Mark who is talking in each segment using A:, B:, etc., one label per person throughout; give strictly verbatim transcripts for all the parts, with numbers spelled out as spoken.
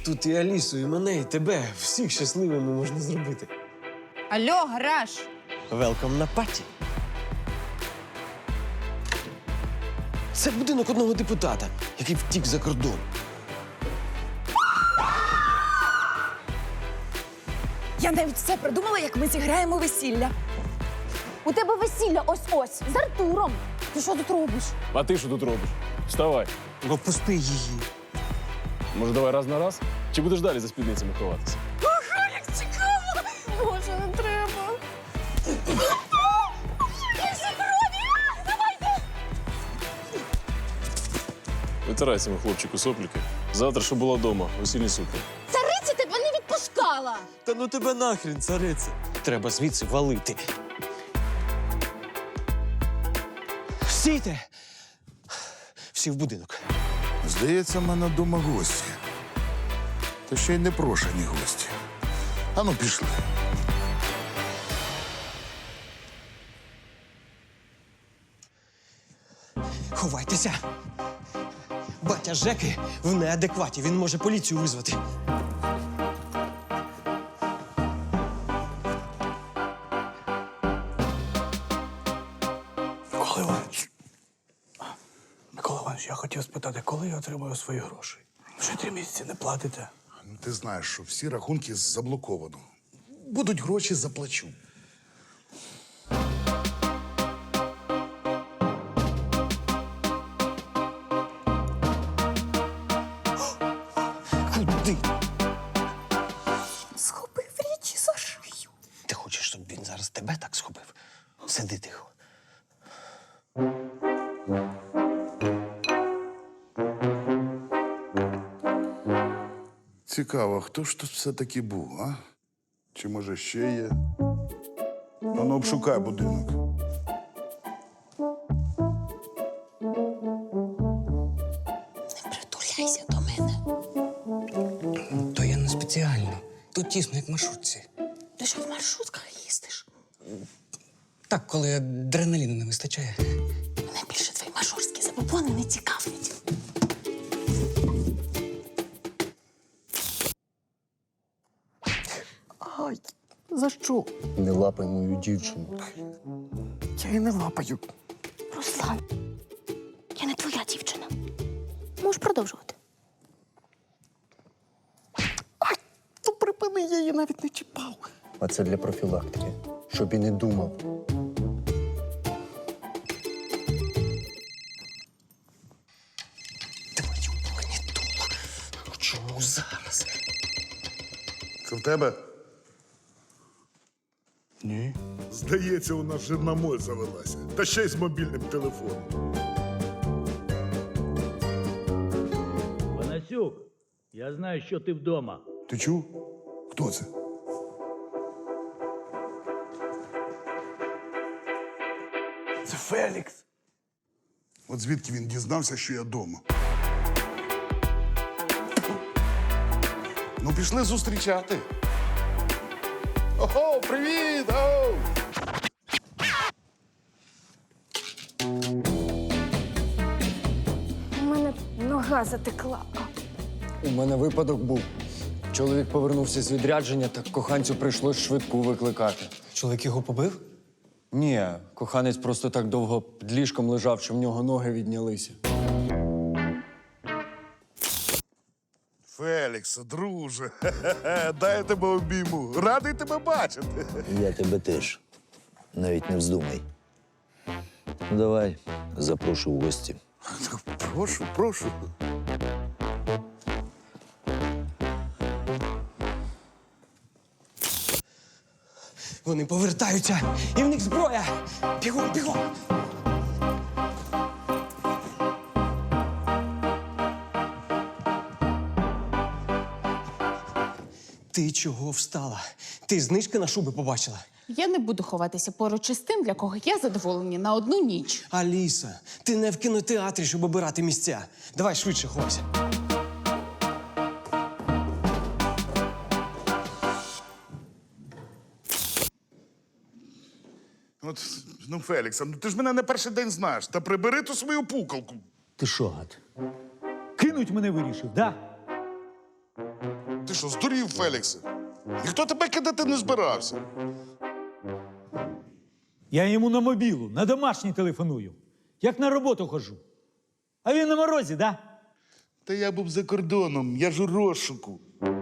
A: тут і Алісу, і мене, і тебе. Всіх щасливими можна зробити.
B: Алло, гараж!
A: Велкам на паті. Це будинок одного депутата, який втік за кордон.
B: Я навіть все придумала, як ми зіграємо весілля.
C: У тебе весілля ось-ось, з Артуром. Ти що тут робиш?
D: А ти що тут робиш? Вставай.
A: Ну, пусти її.
D: Може, давай раз на раз? Чи будеш далі за спідницями ховатися?
B: Ага, як цікаво! Боже, не треба.
D: Витирайся, мій хлопчику, сопліки. Завтра, щоб була вдома, весільні сукні.
C: Цариця тебе не відпускала.
A: Та ну тебе нахрін, цариця. Треба звідси валити. Стійте! Всі в будинок.
E: Здається, в мене вдома гості. Та ще й непрошені гості. Ану, пішли.
A: Ховайтеся. Батя Жеки в неадекваті. Він може поліцію визвати.
F: Микола Іванович. Микола Іванович, я хотів спитати, коли я отримую свої гроші? Вже три місяці не платите.
E: Ну, ти знаєш, що всі рахунки заблоковано. Будуть гроші, заплачу.
A: Куди?
B: Схопив річі за шию.
A: Ти хочеш, щоб він зараз тебе так схопив? Сиди тихо.
E: Цікаво, хто ж тут все-таки був, а? Чи може ще є? Ану, обшукай будинок.
B: Не притуляйся до мене.
F: То я не спеціально. Тут тісно, як в маршрутці.
B: Ти що в маршрутках їздиш?
F: Так, коли адреналіну не вистачає.
B: Мене більше твої маршрутські забобони не цікавлять.
F: Ай, за що?
G: Не лапай мою дівчину.
F: Я її не лапаю.
C: Руслан, я не твоя дівчина. Можеш продовжувати.
F: Ай, то припини, я її навіть не чіпав.
G: А це для профілактики, щоб і не думав.
A: Твою магнітолу. Чому зараз?
E: Це в тебе?
F: Ні.
E: Здається, у нас вже на моль завелася. Та ще й з мобільним телефоном.
H: Панасюк, я знаю, що ти вдома.
E: Ти чув? Хто це?
F: Це Фелікс.
E: От звідки він дізнався, що я вдома? Ну, пішли зустрічати. Ого, привіт! Оу!
C: У мене нога затекла.
G: У мене випадок був. Чоловік повернувся з відрядження, так коханцю прийшлось швидку викликати.
A: Чоловік його побив?
G: Ні, коханець просто так довго під ліжком лежав, що в нього ноги віднялися.
E: Фелікса, друже, хе-хе-хе, дай я тебе обійму. Радий тебе бачити.
I: Я тебе теж. Навіть не вздумай. Ну, давай, запрошу в гості.
E: Прошу, прошу.
A: Вони повертаються, і в них зброя! Бігом, бігом! Ти чого встала? Ти знижки на шуби побачила?
B: Я не буду ховатися поруч із тим, для кого є задоволення на одну ніч.
A: Аліса, ти не в кінотеатрі, щоб обирати місця. Давай швидше ховайся.
E: От, ну, Фелікса, ну ти ж мене не перший день знаєш. Та прибери ту свою пукалку.
I: Ти що, гад?
H: Кинуть мене вирішив, да?
E: Ти що, здурів, Феліксе? Ніхто тебе кидати не збирався.
H: Я йому на мобілу, на домашній телефоную. Як на роботу хожу. А він на морозі, да?
E: Та я був за кордоном, я ж у розшуку.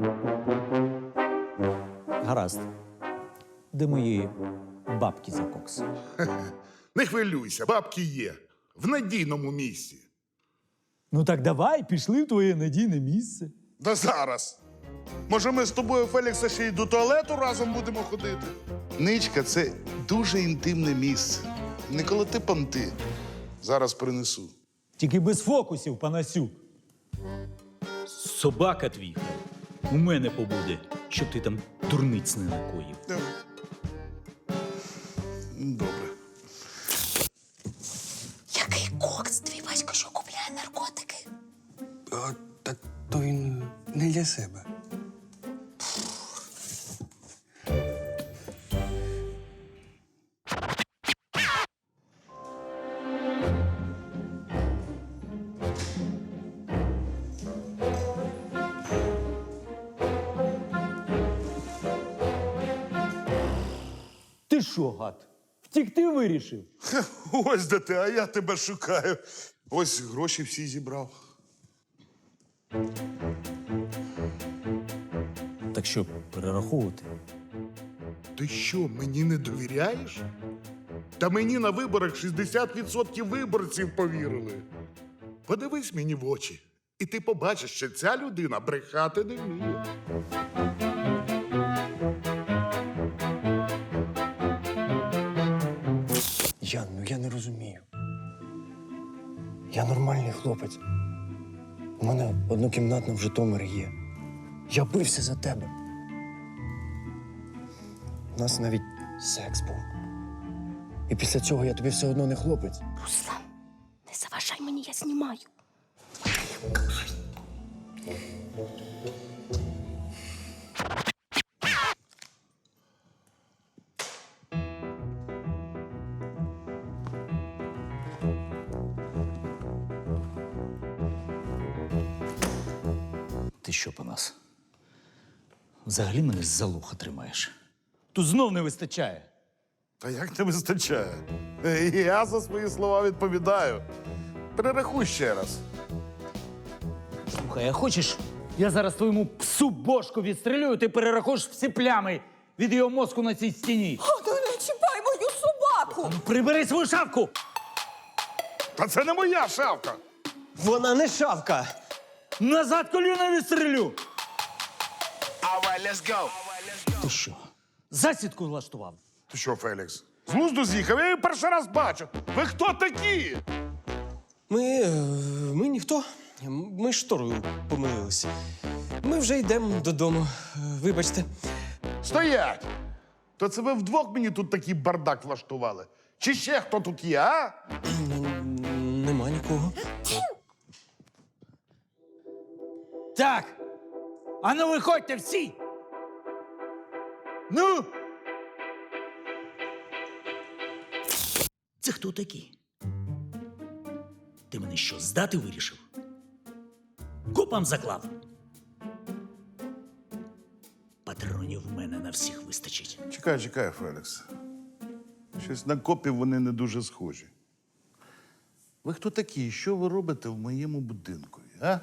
H: Гаразд. Де мої бабки за кокс?
E: Не хвилюйся, бабки є. В надійному місці.
H: Ну так давай, пішли в твоє надійне місце.
E: Да зараз. Може, ми з тобою, Фелікса, ще й до туалету разом будемо ходити? Ничка, це дуже інтимне місце. Не колоти понти. Зараз принесу.
H: Тільки без фокусів, панасюк. Собака твій у мене побуде, щоб ти там дурниць не накоїв.
E: Добре.
C: Який кокс? Твій батько що купляє наркотики?
J: А, так то він не для себе.
H: Ти що, гад? Втікти вирішив?
E: Ось де ти, а я тебе шукаю. Ось гроші всі зібрав.
H: Так що, перераховувати?
E: Ти що, мені не довіряєш? Та мені на виборах шістдесят відсотків виборців повірили. Подивись мені в очі, і ти побачиш, що ця людина брехати не вміє.
J: Ян, ну я не розумію. Я нормальний хлопець. У мене однокімнатна в Житомирі є. Я бився за тебе. У нас навіть секс був. І після цього я тобі все одно не хлопець.
C: Руслан, не заважай мені, я знімаю.
H: Ти що, Панас? Взагалі мене з-за луха тримаєш. Тут знов не вистачає.
E: Та як не вистачає? Е, Я за свої слова відповідаю. Перерахуй ще раз.
H: Слухай, а хочеш, я зараз твоєму псу бошку відстрілюю, ти перерахуєш всі плями від його мозку на цій стіні.
C: Та не чіпай мою собаку!
H: Ну, прибери свою шапку!
E: Та це не моя шавка.
A: Вона не шавка.
H: Назад коліна відстрілю! Ти що, засідку влаштував?
E: Ти що, Фелікс? З глузду з'їхав? Я її перший раз бачу. Ви хто такі?
A: Ми. е, Ми ніхто. Ми шторою помилилися. Ми вже йдемо додому. Е, Вибачте.
E: Стоять! То це ви вдвох мені тут такий бардак влаштували? Чи ще хто тут є, а?
A: Н- Нема нікого.
H: Так! А ну виходьте всі! Ну! Це хто такі? Ти мене що, здати вирішив? Купам заклав. Патронів в мене на всіх вистачить.
E: Чекай, чекай, Фелікс. Щось на копів вони не дуже схожі. Ви хто такі? І що ви робите в моєму будинку, а?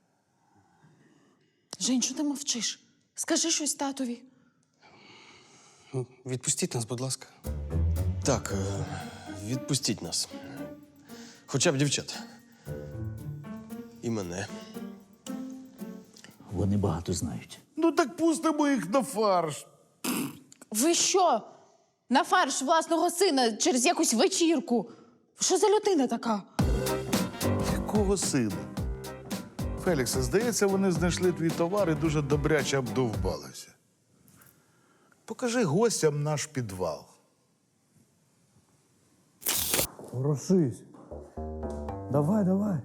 B: Жень, що ти мовчиш? Скажи щось татові.
J: Ну, відпустіть нас, будь ласка.
A: Так, е, відпустіть нас. Хоча б дівчат. І мене.
H: Вони багато знають.
E: Ну так пустимо їх на фарш.
B: Ви що? На фарш власного сина через якусь вечірку. Що за людина така?
E: Якого сина? Феліксе, здається, вони знайшли твій товар і дуже добряче обдовбалися. Покажи гостям наш підвал.
F: Ворушись. Давай, давай.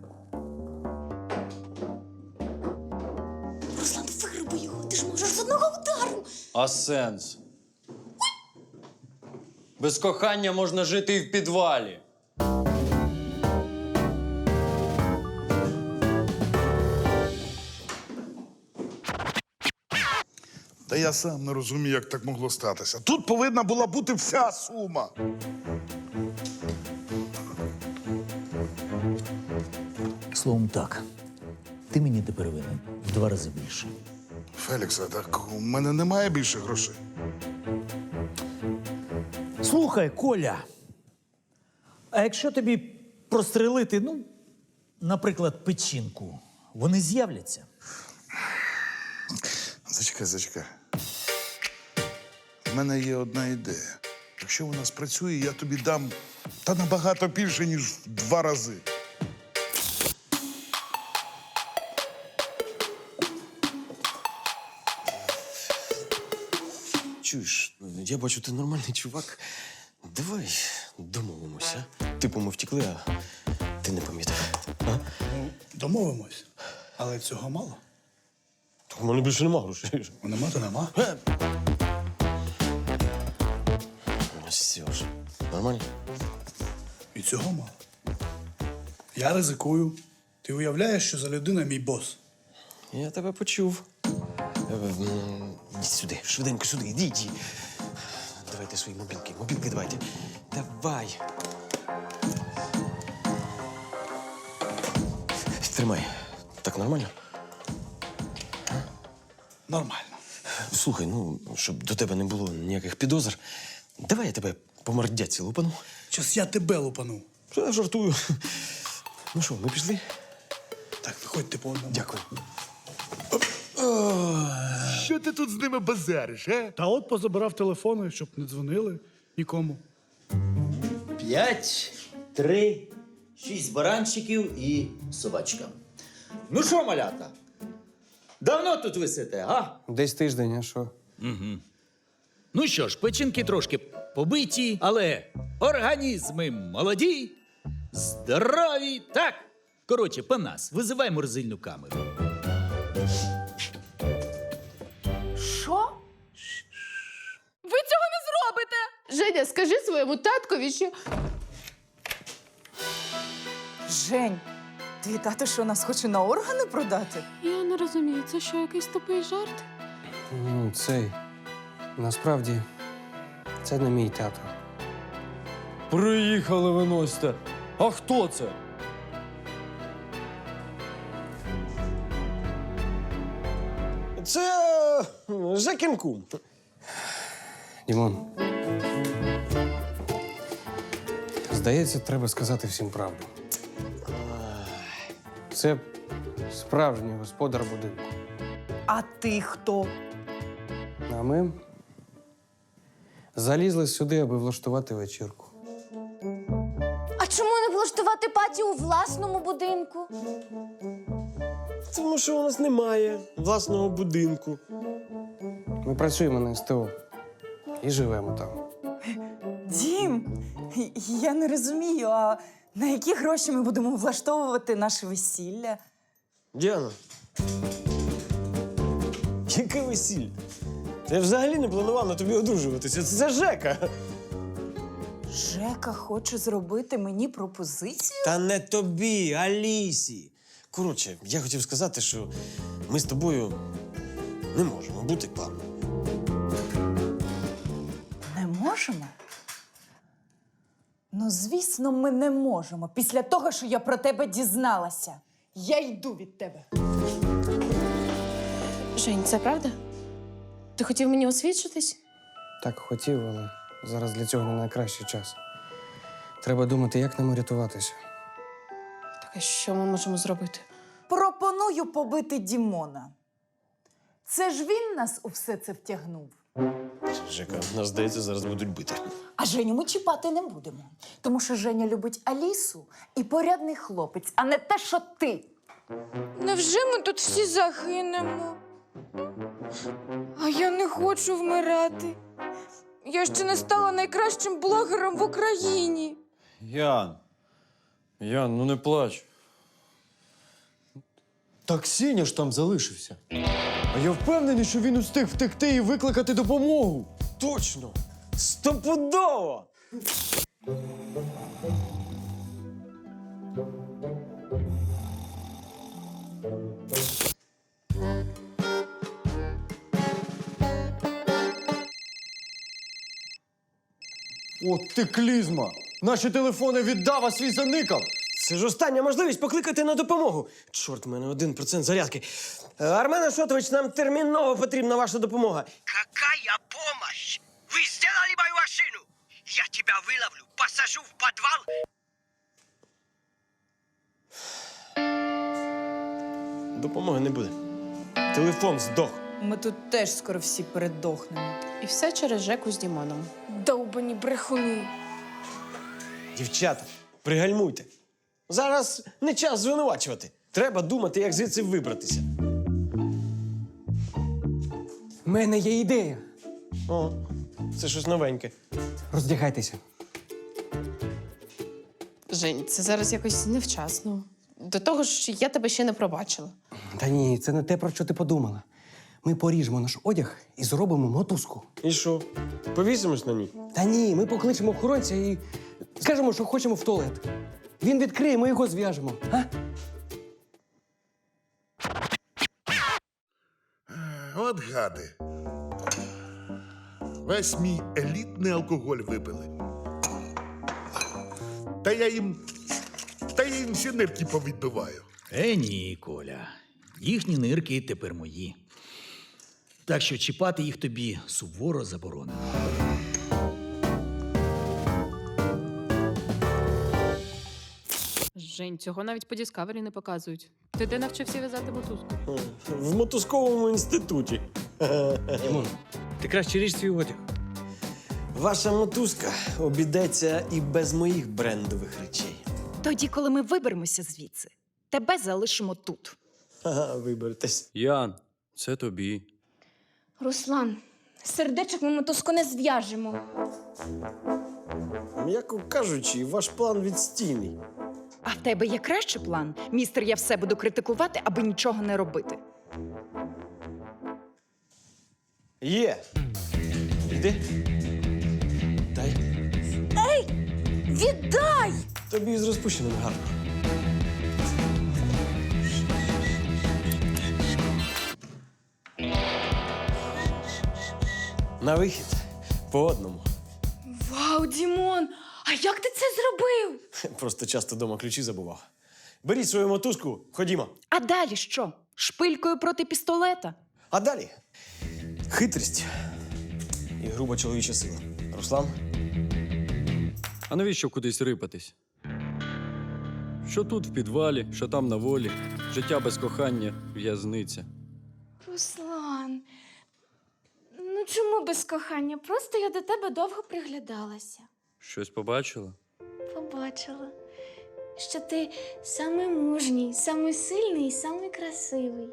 C: Руслан, вируби його, ти ж можеш з одного удару.
G: А сенс? Без кохання можна жити і в підвалі.
E: Та я сам не розумію, як так могло статися. Тут повинна була бути вся сума.
I: Словом так, ти мені тепер винен в два рази більше.
E: Феліксе, так у мене немає більше грошей.
H: Слухай, Коля. А якщо тобі прострелити, ну, наприклад, печінку, вони з'являться?
E: Зачекай, зачекай. У мене є одна ідея. Якщо вона спрацює, я тобі дам та набагато більше, ніж в два рази.
A: Чуєш, я бачу, ти нормальний чувак. Давай домовимося. Типу, ми втекли, а ти не помітив. А?
F: Домовимось. Але цього мало.
A: Так у мене більше нема грошей.
F: Нема, то нема.
A: Все ж. Нормально?
F: І цього мало. Я ризикую. Ти уявляєш, що за людина мій бос?
A: Я тебе почув. Е, м, Ідіть сюди, швиденько сюди, ідіть. Давайте свої мобілки. Мобілки давайте. Давай. Тримай. Так нормально?
F: Нормально.
A: Слухай, ну, щоб до тебе не було ніяких підозр, давай я тебе по мордяці лупану.
F: Щас я тебе лупану.
A: Я жартую. Ну що, ми пішли?
F: Так, виходьте по одному.
A: Дякую.
E: Що ти тут з ними базариш, а?
F: Та от позабирав телефони, щоб не дзвонили нікому.
I: П'ять, три, шість баранчиків і собачка. Ну що, малята? Давно тут висите, а?
A: Десь тиждень, а що?
H: Ну що ж, печінки трошки побиті, але організми молоді, здорові. Так, коротше, по нас. Визивай морзильну камеру.
B: Що? Ви цього не зробите! Женя, скажи своєму таткові, що.
C: Жень, твій тато що, нас хоче на органи продати?
B: Я не розумію, це що, якийсь тупий жарт?
K: Ну, цей. Насправді, це не мій тато.
G: Приїхали виносьте. А хто це?
A: Це е, Жекін кум.
K: Дімон. Здається, треба сказати всім правду. Це справжній господар будинку.
C: А ти хто?
K: А ми залізли сюди, аби влаштувати вечірку.
C: А чому не влаштувати паті у власному будинку?
A: Тому що у нас немає власного будинку.
K: Ми працюємо на СТО і живемо там.
C: Дім, я не розумію, а на які гроші ми будемо влаштовувати наше весілля?
A: Діана. Яке весілля? Я взагалі не планував на тобі одружуватися. Це Жека.
C: Жека хоче зробити мені пропозицію?
A: Та не тобі, Алісі. Коротше, я хотів сказати, що ми з тобою не можемо бути парою.
C: Не можемо? Ну, звісно, ми не можемо. Після того, що я про тебе дізналася. Я йду від тебе.
B: Жень, це правда? Ти хотів мені освідчитись?
K: Так хотів, але зараз для цього не найкращий час. Треба думати, як нам рятуватися.
B: Так, а що ми можемо зробити?
C: Пропоную побити Дімона. Це ж він нас у все це втягнув.
A: Жека, нас, здається, зараз будуть бити.
C: А Женю ми чіпати не будемо. Тому що Женя любить Алісу і порядний хлопець, а не те, що ти.
L: Невже ми тут всі загинемо? А я не хочу вмирати. Я ще не стала найкращим блогером в Україні.
G: Ян. Ян, ну не плач. Так Сеня ж там залишився. А я впевнений, що він устиг втекти і викликати допомогу.
A: Точно! Стопудово!
G: От ти клізма! Наші телефони віддав, а свій заникав!
A: Це ж остання можливість покликати на допомогу. Чорт, в мене один процент зарядки. Е, Армен Ашотович, нам терміново потрібна ваша допомога.
M: Какая помощь? Вы сделали мою машину! Я тебя выловлю, посажу в подвал.
A: Допомоги не буде. Телефон здох.
C: Ми тут теж скоро всі передохнемо.
B: І все через Жеку з Дімоном.
L: Довбані брехуни.
A: Дівчата, пригальмуйте. Зараз не час звинувачувати. Треба думати, як звідси вибратися.
K: У мене є ідея.
A: О, це щось новеньке.
K: Роздягайтеся.
B: Жень, це зараз якось невчасно. До того ж, я тебе ще не пробачила.
K: Та ні, це не те, про що ти подумала. Ми поріжемо наш одяг і зробимо мотузку.
A: І що? Повісимось на ній?
K: Та ні, ми покличемо охоронця і скажемо, що хочемо в туалет. Він відкриє, ми його зв'яжемо. А?
E: От гади. Весь мій елітний алкоголь випили. Та я їм. Та я їм всі нирки повідбиваю.
H: Е, ні, Коля. Їхні нирки тепер мої. Так що чіпати їх тобі суворо заборонено.
N: Жень, цього навіть по Діскавері не показують. Ти де навчився в'язати мотузку?
A: В мотузковому інституті.
K: Дімон, ти краще ріж свій одяг.
A: Ваша мотузка обійдеться і без моїх брендових речей.
C: Тоді, коли ми виберемося звідси, тебе залишимо тут.
A: Ага, виберетесь.
G: Ян, це тобі.
L: Руслан, сердечок ми мотузку не зв'яжемо.
A: М'яко кажучи, ваш план відстійний.
C: А в тебе є кращий план? Містер, я все буду критикувати, аби нічого не робити.
A: Є. Йди. Дай.
L: Ей! Віддай!
A: Тобі з розпущеним гарно. На вихід. По одному.
L: Вау, Дімон! А як ти це зробив?
A: Просто часто дома ключі забував. Беріть свою мотузку, ходімо.
C: А далі що? Шпилькою проти пістолета?
A: А далі хитрість і груба чоловіча сила. Руслан?
G: А навіщо кудись рипатись? Що тут в підвалі, що там на волі. Життя без кохання, в'язниця.
L: Руслан, ну чому без кохання? Просто я до тебе довго приглядалася.
G: Щось побачила?
L: Побачила, що ти самий мужній, самий сильний і самий красивий.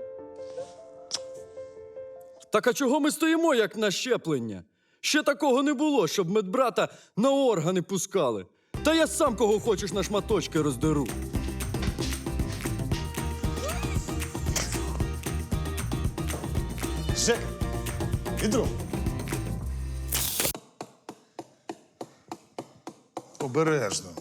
G: Так а чого ми стоїмо, як на щеплення? Ще такого не було, щоб медбрата на органи пускали. Та я сам кого хочеш на шматочки роздеру.
A: Жека! Відро!
E: Обережно.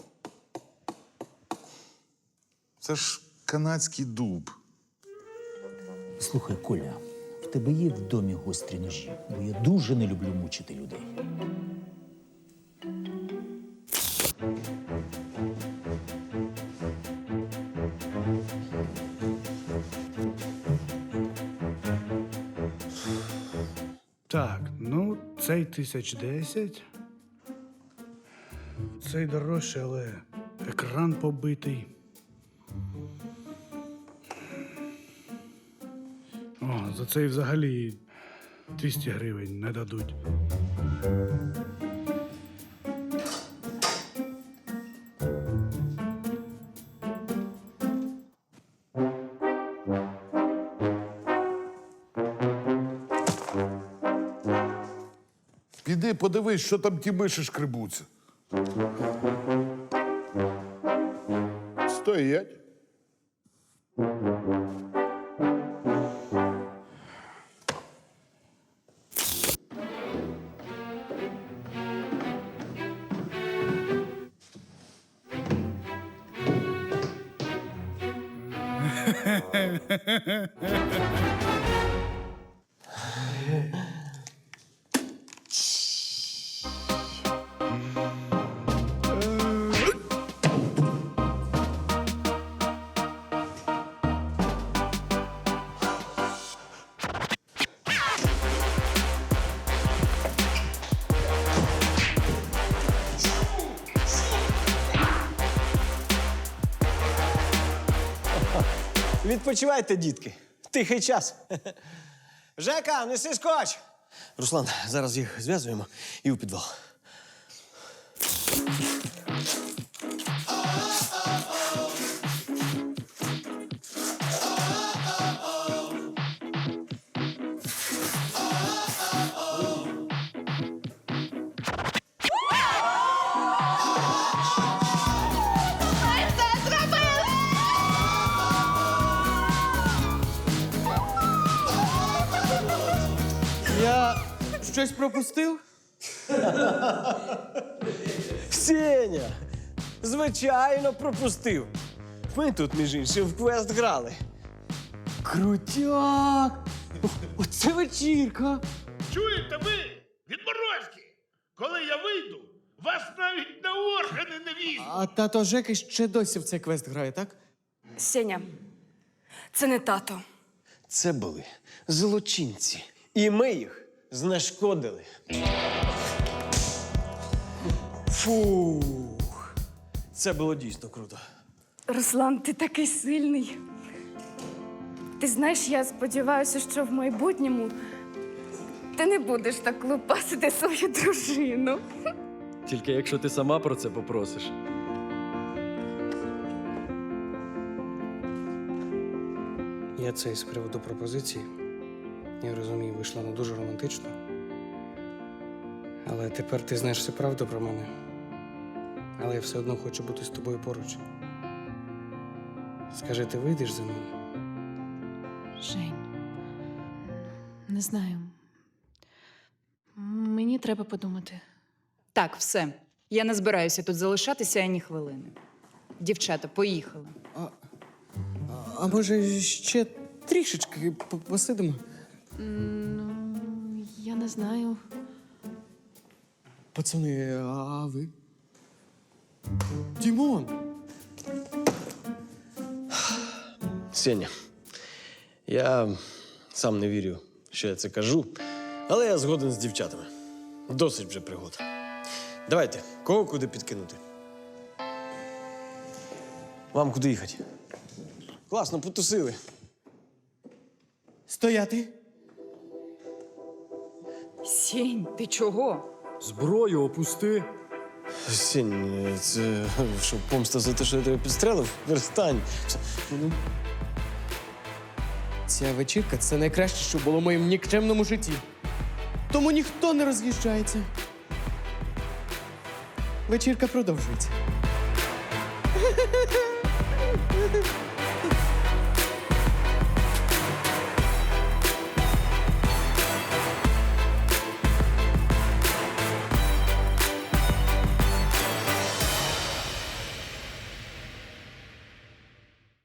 E: Це ж канадський дуб.
H: Слухай, Коля, в тебе є в домі гострі ножі, бо я дуже не люблю мучити людей.
F: Так, ну, цей тисяч десять. Цей дорожчий, але екран побитий. О, за цей взагалі двісті гривень не дадуть.
E: Піди подивись, що там ті миші шкребуться. Стоять.
A: Відпочивайте, дітки. Тихий час. Жека, неси скотч! Руслан, зараз їх зв'язуємо і у підвал.
K: Я щось пропустив?
A: Сеня! Звичайно, пропустив. Ми тут, між іншим, в квест грали.
K: Крутяк! Оце вечірка!
E: Чуєте ви, відморозки? Коли я вийду, вас навіть на органи не візьмуть.
K: А тато Жеки ще досі в цей квест грає, так?
L: Сеня, це не тато.
A: Це були злочинці. І ми їх знешкодили. Фух. Це було дійсно круто.
L: Руслан, ти такий сильний. Ти знаєш, я сподіваюся, що в майбутньому ти не будеш так лупасити свою дружину.
G: Тільки якщо ти сама про це попросиш.
K: Я це з приводу пропозиції. Я розумію, вийшла не дуже романтично. Але тепер ти знаєш всю правду про мене. Але я все одно хочу бути з тобою поруч. Скажи, ти вийдеш за мене?
N: Жень, не знаю. Мені треба подумати.
O: Так, все. Я не збираюся тут залишатися ані хвилини. Дівчата, поїхали.
K: А, а може ще трішечки п- посидимо?
N: Ну, я не знаю.
K: Пацани, а ви? Дімон!
A: Сеня, я сам не вірю, що я це кажу, але я згоден з дівчатами. Досить вже пригод. Давайте, кого куди підкинути? Вам куди їхати? Класно, потусили.
K: Стояти!
O: Сінь, ти чого?
G: Зброю опусти.
A: Сень, це що, помста за те, що я тебе підстрелив? Перестань.
K: Ця вечірка це найкраще, що було в моєму нікчемному житті. Тому ніхто не роз'їжджається. Вечірка продовжується.